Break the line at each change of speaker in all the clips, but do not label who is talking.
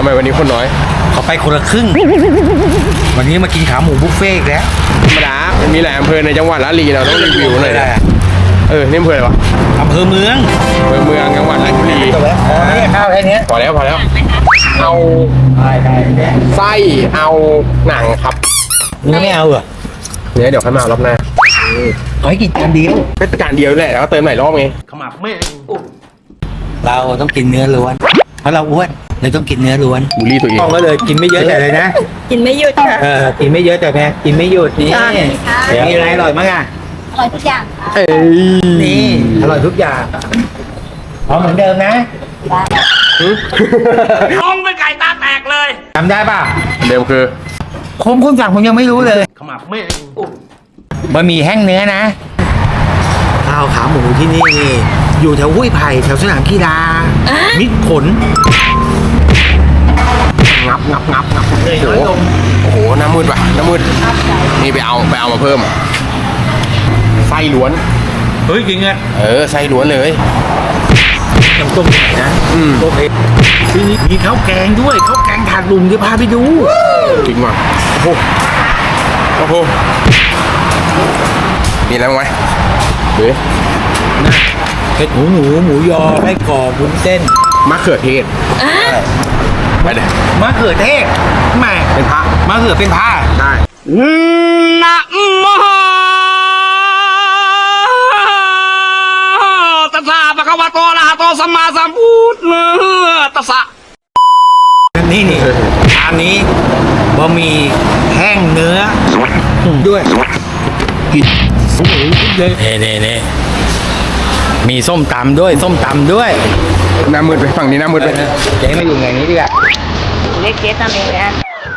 ทำไมวันนี้คนน้อย
เขาไปคนละครึ่งวันนี้มากินขาหมูบุฟเฟ่ต์แล้ว
ธรรมดามันมีหลายอำเภอในจังหวัดละลีเราต้องรีวิวหน่อยนี่อำเภออะไรวะ
อำเภอเมือง
จังหวัดราชบุรี
นี่ข้าวแค่นี้
พอแล้วเอาไส้เอาหนังครับ
เนื้อไม่เอาเหรอ
เดี๋ยวค่อยมาเอารอบหน้า
เอาให้กินจานเดียว
เป็นจานเดียวแหละแล้วก็เติมหลายรอบไง
ขมับไม่เราต้องกินเนื้อล้วนเพราะเราอ้วนเลยต้องกินเนื้อล้วน
บูลลี่ตัวเอง
ก็เลยกินไม่เยอะแต่เลยนะ
กินไม่หยุดค่ะ
กินไม่เยอะแต่แพ้กินไม่หยุดนี่มีอะไรอร่อยมั้งอ่ะ
อร่อยทุกอย่าง
นี่อร่อยทุกอย่างเอาเหมือนเดิมนะ
มองเป็นไก่ตาแตกเลย
จำได้ป่ะ
เดิมคือ
คนสั่งผมยังไม่รู้เลยขมับไม่บะหมี่แห้งเนื้อนะข้าวขาหมูที่นี่อยู่แถวห้วยไผ่แถวสนามกีฬามิตรผล
งับโอ้โหน้ำมืดว่ะน้ำมืดนี่ไปเอามาเพิ่มไส้ล้วน
เฮ้ยจริงอ่ะ
ไส้ล้วนเลย
น้ำต้มไหนนะต้มเองที่นี่มีข้าวแกงด้วยข้าวแกงถาดลุงเดี๋ยวพาไปดู
จริงว่ะโอ้โหมีอะไรบ้างไหม
นะเห็ดหมูยอไส้กรอกวุ้นเส้น
มะเขือเทศไปเลย
มะเขือเทศแม่
เป็นพระ
มะเขือเป็นพระ
ได้
นะโมตัสสะภะคะวะโตอะระหะโตสัมมาสัมพุทธัสสะ
นี่อันนี้บะหมี่แห้งเนื้อด้วยนี่มีส้มตำด้วย
น้ำมืดไปฝั่งนี้น้ำมืดไป
เจ๊มาอยู่ไงนี้ดีกว่า
เรียกเจ๊ตามเองนะ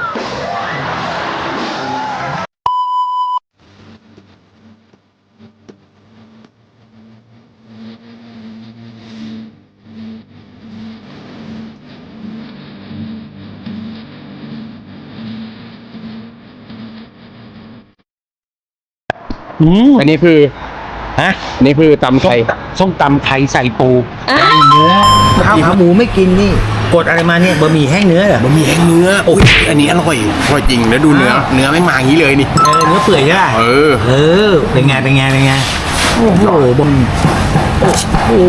อันนี้คืออันนี้คือตำไทย
ส้มตำไทยใส่ปูเนื้อข้าวขาหมูไม่กินนี่กดอะไรมาเนี่ยบะหมี่แห้งเนื้อเหรอบะหมี่แห้งเนื้อ
โอ้ยอันนี้อร่อยจริงแล้วดูเนื้อไม่มาอย่างนี้เลยนี่
เนื้อเปื่อยใช่ป่ะเป็นไงโอ้โหบนโอ้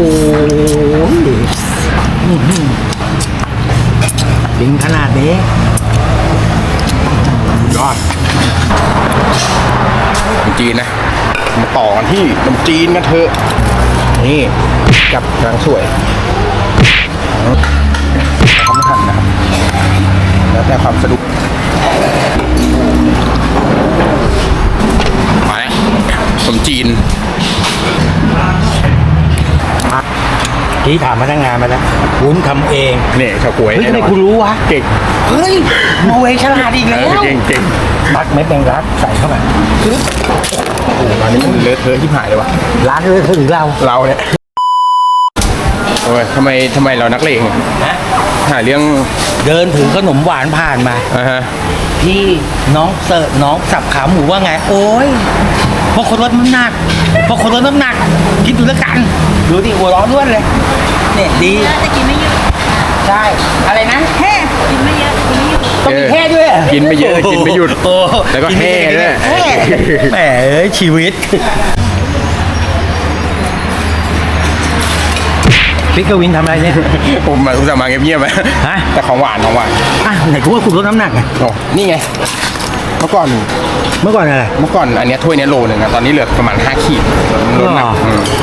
จริงขนาดนี้
ยอดจีนนะมาต่อกันที่ขนมจีนกันเถอะนี่กับนางสวยเขาไม่ทันนะครับแล้วแต่ความสะดวกมาแล้วขนมจีน
ที่ถามพนักงานมาแล้ววุ้นทำเอง
เนี่ยชาวกล้วย
ทำไมคุณรู้วะ
เก่ง
เฮ้ยโมเวฉลาดอีกแล้ว
เก่ง
ตักเม็ดแมงลักใส่เข้าไป
โอ้โหร้านนี้มันเลอะเทอะที่หายเลยวะ
ร้านเลอะเทอะถึงเรา
เนี่ยโอ้ยทำไมเรานักเลงหาเรื่อง
เดินถือขนมหวานผ่านมาพี่น้องเสิร์ฟน้องสับขาหมูว่าไงโอ้ยพอคนลดน้ำหนักคิดดูแล้วกันดูดิหัวร้อนด้วยเลยเนี่ยดี
แต่กินไม่เยอะ
ใช่อะไรนะ
แค่กินไม่เยอะ
ต้องมีแค่ด้วย
กินไม่เยอะกินไม่หยุดแล้วก็แห่ด้วย
แหมชีวิตพี่กวินทำอะไรเนี่ย
ผมมาคุณจะมาเงียบๆไหมแต่ของหวาน
ไหนกูว่าคุณลดน้ำหนักไง
นี่ไงเมื่อก่อน
อะไร
เมื่อก่อนอันนี้ถ้วยนี้โลนึงตอนนี้เหลือประมาณ5 ขีดลดหนัก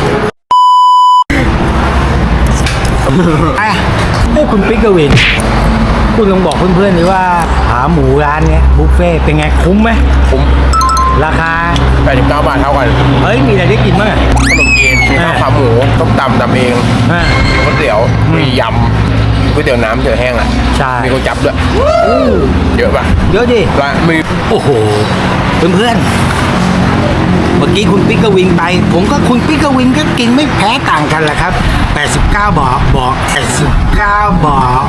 คุณปิ๊กกวินคุณลองบอกเพื่อนๆดิว่าขาหมูร้านเนี้ยบุฟเฟ่เป็นไงคุ้มไหม
คุ้ม
ราคา
89 บาทเท่ากัน
เฮ้ยมีอะไรได้กินบ้าง
ขนมจีนมีข้าวขาหมูต้มตำเองมีก๋วยเตี๋ยวมียำก๋วยเตี๋ยวน้ำเตี๋ยวแห้ง
ใช่
มีก๋วยจั๊บด้วยเยอะป่ะ
เยอะดิ
มี
โอ้โหเพื่อนเมื่อกี้คุณปิ๊กกวินไปผมก็คุณปิ๊กกวินก็กินไม่แพ้ต่างกันแหละครับ89 บาทบอก89 บาท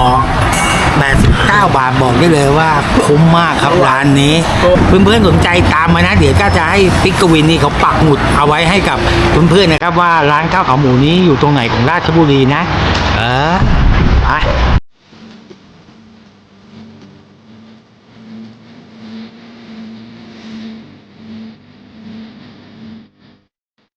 บอกได้เลยว่าคุ้มมากครับร้านนี้เพื่อนๆสนใจตามมานะเดี๋ยวก็จะให้ปิ๊กกวินนี่เขาปักหมุดเอาไว้ให้กับเพื่อนๆนะครับว่าร้านข้าวขาหมูนี้อยู่ตรงไหนของราชบุรีนะไป